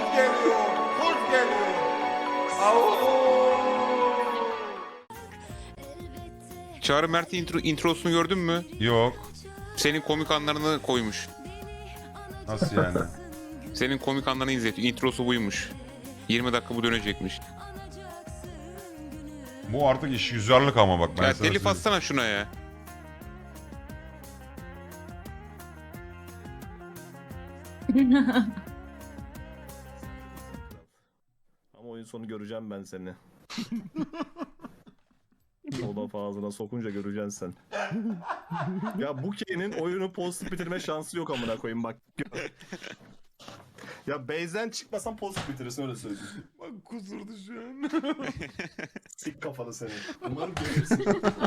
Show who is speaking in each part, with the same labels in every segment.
Speaker 1: geliyor. Kuz geliyor. Au.
Speaker 2: Çağrı Mert'in introsunu gördün mü?
Speaker 1: Yok.
Speaker 2: Senin komik anlarını koymuş.
Speaker 1: Nasıl yani?
Speaker 2: Senin komik anlarını izletiyor. Introsu buymuş. 20 dakika bu dönecekmiş.
Speaker 1: Bu artık iş yüzarlık ama bak ben
Speaker 2: Ya
Speaker 1: sana
Speaker 2: telif
Speaker 1: söyleyeyim.
Speaker 2: atsana şuna ya.
Speaker 3: Ama oyun sonu göreceğim ben seni. O lafı ağzına sokunca göreceksin sen. Ya bu Kane'in oyunu pozitif bitirme şansı yok amına koyayım bak. Ya base'den çıkmasan pozitif bitirirsin öyle söyleyeyim.
Speaker 1: Bak kusurdu şu an.
Speaker 3: Sik kafalı seni. Umarım görürsün.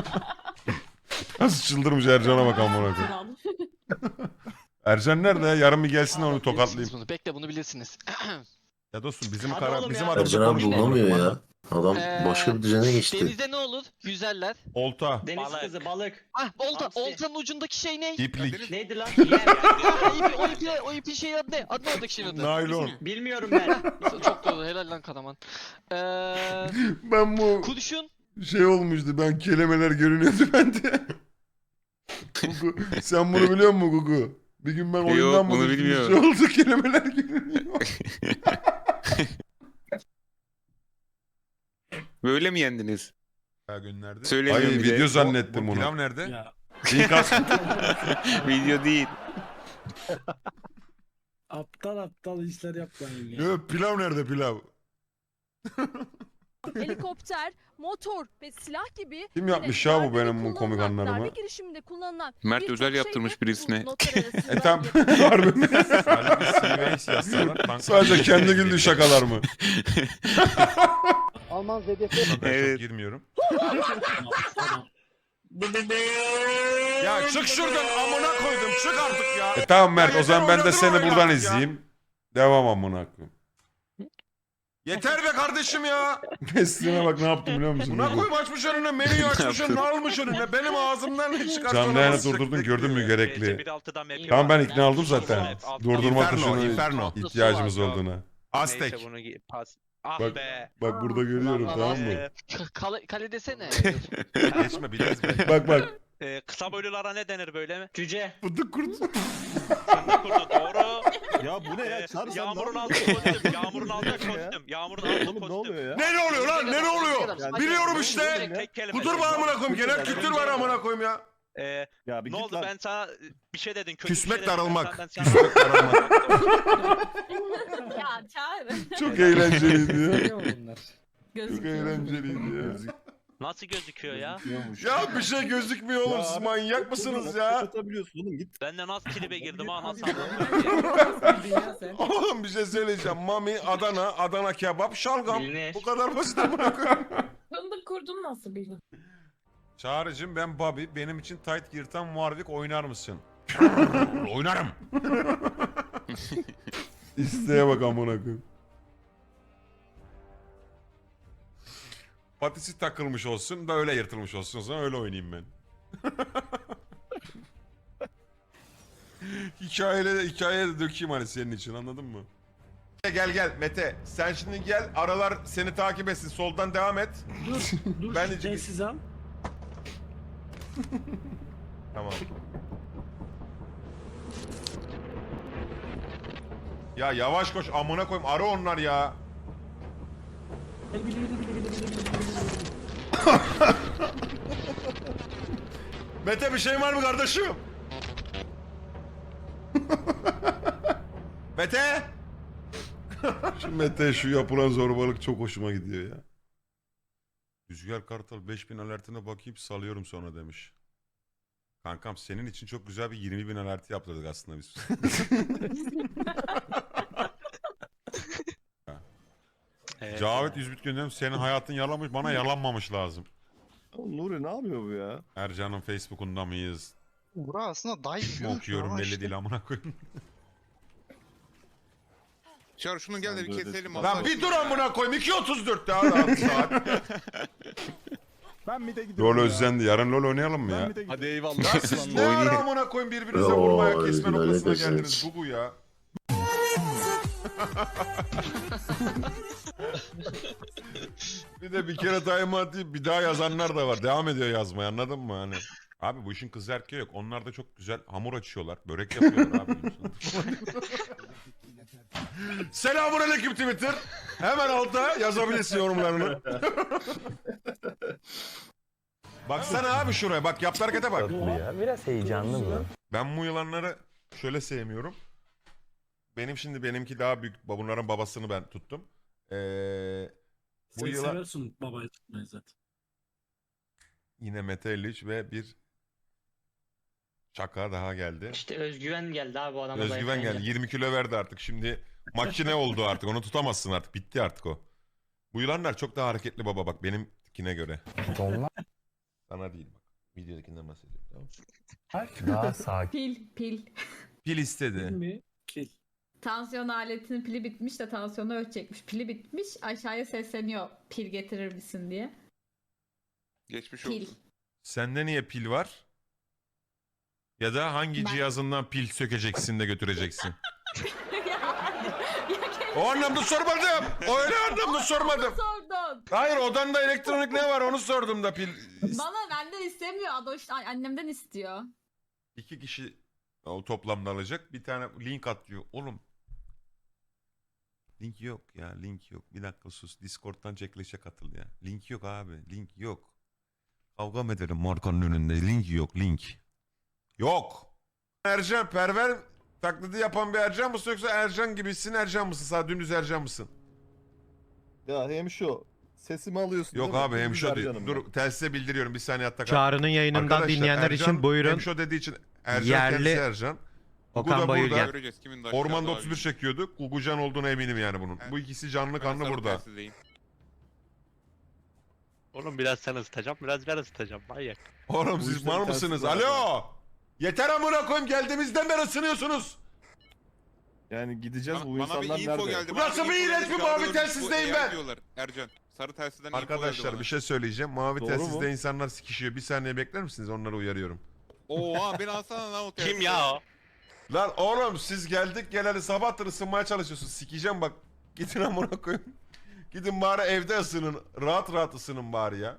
Speaker 1: Nasıl çıldırmış Ercan'a bak amına koyayım. Ercan nerede ya? Yarın bir gelsin onu tokatlayayım.
Speaker 4: Bunu. Bekle bunu bilirsiniz.
Speaker 1: Ya dostum bizim
Speaker 3: Hadi oğlum
Speaker 1: bizim
Speaker 3: ya.
Speaker 1: adamımızı
Speaker 5: Ercan abi
Speaker 1: konuşma.
Speaker 5: bulunamıyor
Speaker 1: amına
Speaker 5: ya. Adam başka bir düzene geçti.
Speaker 4: Denizde ne olur? Yüzerler.
Speaker 1: Olta.
Speaker 6: Deniz kızı balık.
Speaker 4: Ah olta,
Speaker 6: Hamsi.
Speaker 4: oltanın ucundaki şey ne?
Speaker 1: İplik.
Speaker 6: Neydi lan?
Speaker 4: O ipin şeyi adı ne? Adı ne oradaki şeyin adı?
Speaker 1: Naylon.
Speaker 6: Bilmiyorum ben.
Speaker 4: Çok doğru helal lan Karaman.
Speaker 1: Ben bu
Speaker 4: Kurşun.
Speaker 1: şey olmuştu. Ben kelimeler görünüyordu bende. Gugu, sen bunu biliyor musun Gugu? Bir gün ben
Speaker 2: Yok,
Speaker 1: oyundan
Speaker 2: bunu
Speaker 1: mı düştüm, bir
Speaker 2: bilmiyorum.
Speaker 1: şey oldu kelimeler görünüyor.
Speaker 2: Böyle mi yendiniz?
Speaker 1: Ya gönderdi.
Speaker 2: Söylemiyorum
Speaker 1: Ay
Speaker 2: bir de.
Speaker 1: video zannettim
Speaker 2: Bu
Speaker 1: bunu.
Speaker 2: pilav
Speaker 1: nerede?
Speaker 7: Ya
Speaker 1: İnkaz.
Speaker 2: Video değil.
Speaker 7: aptal işler yapmayın ya.
Speaker 1: Yok pilav nerede pilav?
Speaker 8: Helikopter, motor ve silah gibi
Speaker 1: Kim yapmış
Speaker 8: yine
Speaker 1: ya bu
Speaker 8: darbede
Speaker 1: benim bu komik
Speaker 8: kullanılan,
Speaker 1: anlarımı?
Speaker 8: darbe girişiminde kullanılan
Speaker 2: Mert
Speaker 8: birçok
Speaker 2: özel
Speaker 8: şey
Speaker 2: yaptırmış
Speaker 8: de
Speaker 2: birisine.
Speaker 8: bu notlar arasında
Speaker 1: Tam
Speaker 8: yapılıyor.
Speaker 1: harbi mi? Sadece kendi güldüğü şakalar mı?
Speaker 7: Alman ZDF.
Speaker 1: Ben
Speaker 2: Evet.
Speaker 1: çok girmiyorum.
Speaker 7: Tamam.
Speaker 1: Ya çık şuradan amına koydum çık artık ya. Tamam Mert o zaman ben de seni buradan izleyeyim. Devam amına koyayım. Yeter be kardeşim ya. Mesleğine bak ne yaptım biliyor musun? Buna koyma açmış önüne menüyü açmış önüne almış önüne. Benim ağzımdan ne çıkarsa
Speaker 9: Canlı
Speaker 1: ona
Speaker 9: yayını
Speaker 1: basacak
Speaker 9: durdurdun gördün mü gerekli.
Speaker 1: Tamam ben ikna oldum zaten. Durdurma
Speaker 9: Inferno,
Speaker 1: tuşuna
Speaker 9: Inferno.
Speaker 1: ihtiyacımız olduğuna.
Speaker 9: Aztek.
Speaker 1: Bak, bak burada görüyorum tamam mı?
Speaker 4: Kale desene.
Speaker 9: Geçme biliriz be.
Speaker 1: Bak.
Speaker 10: Kısa boylulara ne denir böyle mi?
Speaker 6: Cüce.
Speaker 1: Fındık kurdu.
Speaker 10: Fındık kurdu doğru.
Speaker 3: Ya bu ne ya? Çağrı sen
Speaker 10: Yağmurun
Speaker 3: ne
Speaker 10: altı
Speaker 3: yapıyorsun?
Speaker 10: kostüm. Yağmurun altı kostüm. Yağmurun altı
Speaker 3: Oğlum ne
Speaker 10: kostüm.
Speaker 3: oluyor ya?
Speaker 1: Ne oluyor lan ne oluyor? Biliyorum işte.
Speaker 10: Tek kelime.
Speaker 1: Kudur mu amına koyayım? Genel kültür var amına koyayım ya.
Speaker 3: Ya bir
Speaker 10: Ne
Speaker 3: git
Speaker 10: oldu
Speaker 3: lan.
Speaker 10: ben sana bir şey dedin. Kötü
Speaker 9: Küsmek,
Speaker 10: bir şey dedin,
Speaker 9: darılmak.
Speaker 10: ben sana-
Speaker 9: Küsmek, darılmak.
Speaker 8: Ya Çağrı.
Speaker 1: Çok eğlenceliydi ya.
Speaker 7: Bunlar.
Speaker 1: Çok eğlenceliydi ya.
Speaker 10: Nasıl gözüküyor ya?
Speaker 1: Ya bir şey gözükmüyor oğlum siz manyak mısınız ya?
Speaker 3: Kapatabiliyorsun oğlum git.
Speaker 10: Ben de nasıl tribe girdim ha nasıl anladın?
Speaker 1: Oğlum bir şey söyleyeceğim. Mami, Adana, Adana kebap, şalgam.
Speaker 6: Bilinir.
Speaker 1: Bu kadar basit amına koyayım.
Speaker 8: Fındık kurdun nasıl bildin?
Speaker 1: Çağrı'cığım ben Bobby. Benim için tight yırtan Warwick oynar mısın? Oynarım. İsteğe bak amına koyayım. Patisi takılmış olsun da öyle yırtılmış olsun o zaman öyle oynayayım ben. Hikayeye de dökeyim hani senin için anladın mı? Gel Mete sen şimdi gel aralar seni takip etsin soldan devam et.
Speaker 7: Dur
Speaker 1: Ben
Speaker 7: şu
Speaker 1: de-
Speaker 7: telsiz al.
Speaker 1: Tamam. Ya yavaş koş amına koyayım ara onlar ya. Mete bir şey var mı kardeşim? Mete! Şu Mete şu yapılan zorbalık çok hoşuma gidiyor ya. Rüzgar Kartal 5000 alertine bakayım salıyorum sonra demiş. Kankam senin için çok güzel bir 20.000 alerti yaptırdık aslında biz. Cavit Üzbüt gönderdim. Senin hayatın yalanmış bana yalanmamış lazım.
Speaker 3: Oğlum Nuri ne yapıyor bu ya?
Speaker 1: Ercan'ın Facebook'unda mıyız?
Speaker 11: Bura aslında dive
Speaker 1: Kim okuyorum belli değil amına koyayım.
Speaker 2: Çağrı şunu gel de bir keselim.
Speaker 1: Lan bir dur amına koyayım 2.34 daha rahat saat.
Speaker 3: Ben bir de gidiyorum
Speaker 1: LoL özlendi. Yarın LoL oynayalım mı ya?
Speaker 3: Hadi
Speaker 1: Ya siz ne ara amına koyayım birbirinize vurmaya kesme
Speaker 5: LoL
Speaker 1: noktasına
Speaker 5: özlendi.
Speaker 1: geldiniz bu ya. Bir de bir kere daima deyip bir daha yazanlar da var. Devam ediyor yazmaya, anladın mı hani? Abi bu işin kız erkeği yok. Onlar da çok güzel hamur açıyorlar. Börek yapıyorlar abi. Selamünaleyküm Twitter. Hemen alta yazabilirsin yorumlarını. Baksana abi şuraya. Bak yaptığı harekete bak.
Speaker 5: Biraz heyecanlı bu.
Speaker 1: Ben bu yılanları şöyle sevmiyorum. Benimki daha büyük. Bunların babasını ben tuttum. Bu
Speaker 7: Sen
Speaker 1: yılan
Speaker 7: seversin babayı tutmayı zaten.
Speaker 1: yine Mete 53 ve bir şaka daha geldi.
Speaker 6: İşte özgüven geldi abi bu adama.
Speaker 1: Özgüven
Speaker 6: zayıflayınca.
Speaker 1: geldi. 20 kilo verdi artık. Şimdi makine oldu artık. Onu tutamazsın artık. Bitti artık o. Bu yılanlar çok daha hareketli baba bak benimkine göre.
Speaker 5: Onlar
Speaker 1: Sana değil bak. Videodakinden bahsediyorum tamam mı?
Speaker 5: daha sakin.
Speaker 8: Pil.
Speaker 1: Pil istedi.
Speaker 7: Mi? Kil.
Speaker 8: Tansiyon aletinin pili bitmiş de tansiyonu ölçecekmiş. Pili bitmiş, aşağıya sesleniyor pil getirir misin diye.
Speaker 2: Geçmiş
Speaker 8: Pil.
Speaker 2: olsun.
Speaker 1: Sende niye pil var? Ya da hangi
Speaker 8: Ben-
Speaker 1: cihazından pil sökeceksin de götüreceksin?
Speaker 8: ya
Speaker 1: O anlamda sormadım. O öyle anlamda sormadım.
Speaker 8: sordun.
Speaker 1: Hayır odanda elektronik ne var onu sordum da pil.
Speaker 8: Bana benden istemiyor. Adoş annemden istiyor.
Speaker 1: 2 kişi o toplamda alacak. Bir tane link atıyor. Oğlum. Link yok ya. Link yok. Bir dakika sus. Discord'dan çekilişe katıl ya. Link yok abi. Link yok. Kavga mı ederim markanın önünde? Link yok. Link. Yok. Ercan perver taklidi yapan bir Ercan mısın yoksa Ercan gibisin Ercan mısın? Sadece dümdüz Ercan mısın?
Speaker 3: Ya hem şu sesimi alıyorsun.
Speaker 1: Yok
Speaker 3: değil mi?
Speaker 1: abi hem şu değil.
Speaker 3: Ercan'ım
Speaker 1: Dur telsize bildiriyorum. Bir saniye hatta kal.
Speaker 12: Çağrı'nın yayınından
Speaker 1: Arkadaşlar,
Speaker 12: dinleyenler
Speaker 1: Ercan,
Speaker 12: için buyurun.
Speaker 1: Hemşo dediği için Ercan
Speaker 12: Yerli
Speaker 1: kendisi Ercan. Gugu da
Speaker 12: Okan
Speaker 1: burada.
Speaker 12: Bayülgen.
Speaker 2: Göreceğiz kimin daha
Speaker 1: Ormanda
Speaker 2: daha
Speaker 1: 31
Speaker 2: büyük.
Speaker 1: çekiyorduk. Gugucan olduğuna eminim yani bunun.
Speaker 2: Evet.
Speaker 1: Bu ikisi canlı
Speaker 2: Ben
Speaker 1: kanlı
Speaker 2: sarı
Speaker 1: burada.
Speaker 2: telsizdeyim.
Speaker 10: Oğlum biraz sen ısıtacağım, biraz ben ısıtacağım. Manyak.
Speaker 1: Oğlum
Speaker 3: Bu
Speaker 1: siz
Speaker 3: işlerin
Speaker 1: mal mısınız?
Speaker 3: tersi var
Speaker 1: Alo! Yeter amına koyayım geldiğimizden beri ısınıyorsunuz.
Speaker 3: Yani gideceğiz bu
Speaker 2: Bana bir
Speaker 3: insanlar
Speaker 2: info
Speaker 3: nerede?
Speaker 2: geldi.
Speaker 1: Bu nasıl bir iğrenç bir mavi telsizleyim ben?
Speaker 2: Diyorlar. Ercan. Sarı telsizden info geldi
Speaker 1: Arkadaşlar
Speaker 2: bana.
Speaker 1: bir şey söyleyeceğim. Mavi
Speaker 3: Doğru
Speaker 1: telsizde
Speaker 3: mu?
Speaker 1: insanlar sikişiyor. Bir saniye bekler misiniz? Onları uyarıyorum.
Speaker 2: Oha beni alsana lan o telsizi.
Speaker 10: Kim ya o?
Speaker 1: Lan oğlum siz geldik geleli sabahtır ısınmaya çalışıyorsunuz. Sikeceğim bak. Gidin amına koyayım. Gidin bari evde ısının. Rahat rahat ısının bari ya.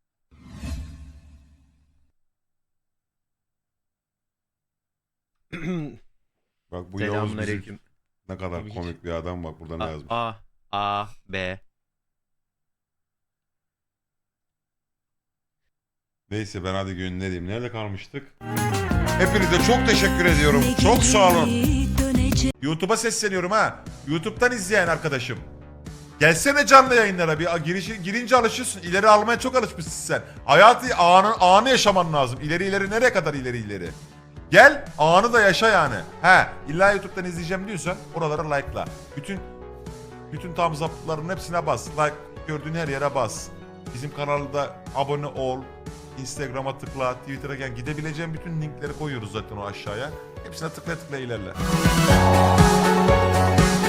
Speaker 1: Bak bu Yavuz bizim
Speaker 12: Selamünaleyküm.
Speaker 1: ne kadar
Speaker 12: Tabii ki.
Speaker 1: komik bir adam bak burada ne yazmış.
Speaker 12: A, B.
Speaker 1: Neyse ben hadi göndereyim. Nerede kalmıştık? Hepinize çok teşekkür ediyorum. Çok sağ olun. YouTube'a sesleniyorum ha. YouTube'dan izleyen arkadaşım. Gelsene canlı yayınlara bir girince alışıyorsun. İleri almaya çok alışmışsın sen. Hayatı anı yaşaman lazım. İleri nereye kadar ileri. Gel anı da yaşa yani. He illa YouTube'dan izleyeceğim diyorsan oralara like'la. Bütün thumbs up'ların hepsine bas. Like gördüğün her yere bas. Bizim kanalda abone ol. Instagram'a tıkla, Twitter'a gel. Gidebileceğin bütün linkleri koyuyoruz zaten o aşağıya. Hepsine tıkla ilerle.